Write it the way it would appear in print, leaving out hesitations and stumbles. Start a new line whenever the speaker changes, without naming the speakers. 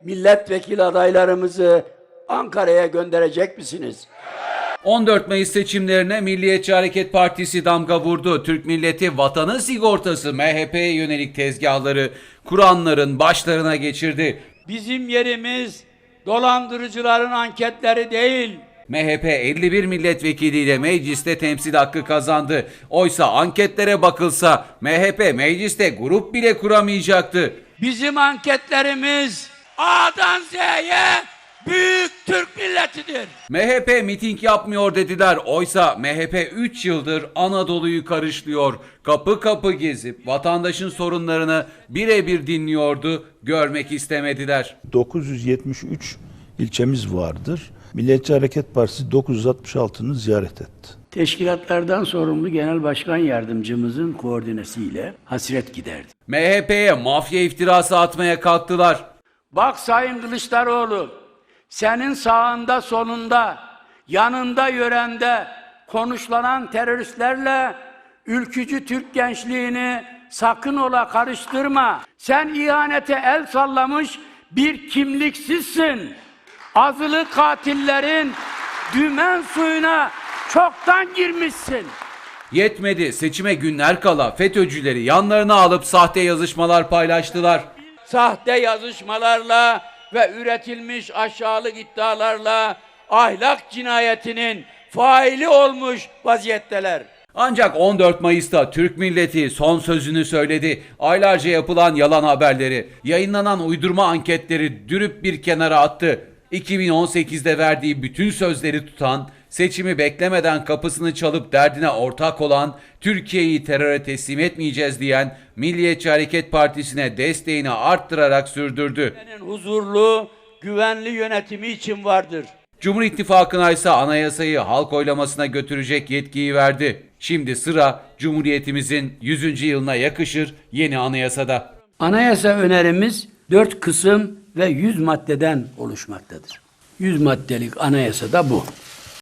milletvekili adaylarımızı Ankara'ya gönderecek misiniz?
14 Mayıs seçimlerine Milliyetçi Hareket Partisi damga vurdu. Türk milleti vatanın sigortası MHP'ye yönelik tezgahları kuranların başlarına geçirdi.
Bizim yerimiz dolandırıcıların anketleri değil.
MHP 51 milletvekiliyle mecliste temsil hakkı kazandı. Oysa anketlere bakılsa MHP mecliste grup bile kuramayacaktı.
Bizim anketlerimiz A'dan Z'ye büyük Türk milletidir.
MHP miting yapmıyor dediler. Oysa MHP 3 yıldır Anadolu'yu karışlıyor. Kapı kapı gezip vatandaşın sorunlarını birebir dinliyordu. Görmek istemediler.
973 ilçemiz vardır. Milliyetçi Hareket Partisi 966'nı ziyaret etti.
Teşkilatlardan sorumlu Genel Başkan Yardımcımızın koordinesiyle hasret giderdi.
MHP'ye mafya iftirası atmaya kalktılar.
Bak Sayın Kılıçdaroğlu, senin sağında solunda, yanında yörende konuşlanan teröristlerle ülkücü Türk gençliğini sakın ola karıştırma. Sen ihanete el sallamış bir kimliksizsin. Azılı katillerin dümen suyuna çoktan girmişsin.
Yetmedi, seçime günler kala FETÖ'cüleri yanlarına alıp sahte yazışmalar paylaştılar.
Sahte yazışmalarla ve üretilmiş aşağılık iddialarla ahlak cinayetinin faili olmuş vaziyetteler.
Ancak 14 Mayıs'ta Türk milleti son sözünü söyledi. Aylarca yapılan yalan haberleri, yayınlanan uydurma anketleri dürüp bir kenara attı. 2018'de verdiği bütün sözleri tutan, seçimi beklemeden kapısını çalıp derdine ortak olan, Türkiye'yi teröre teslim etmeyeceğiz diyen Milliyetçi Hareket Partisi'ne desteğini arttırarak sürdürdü.
Huzurlu, güvenli yönetimi için vardır.
Cumhur İttifakı'na ise anayasayı halk oylamasına götürecek yetkiyi verdi. Şimdi sıra Cumhuriyetimizin 100. yılına yakışır yeni anayasada.
Anayasa önerimiz 4 kısım ve 100 maddeden oluşmaktadır. 100 maddelik anayasa da bu.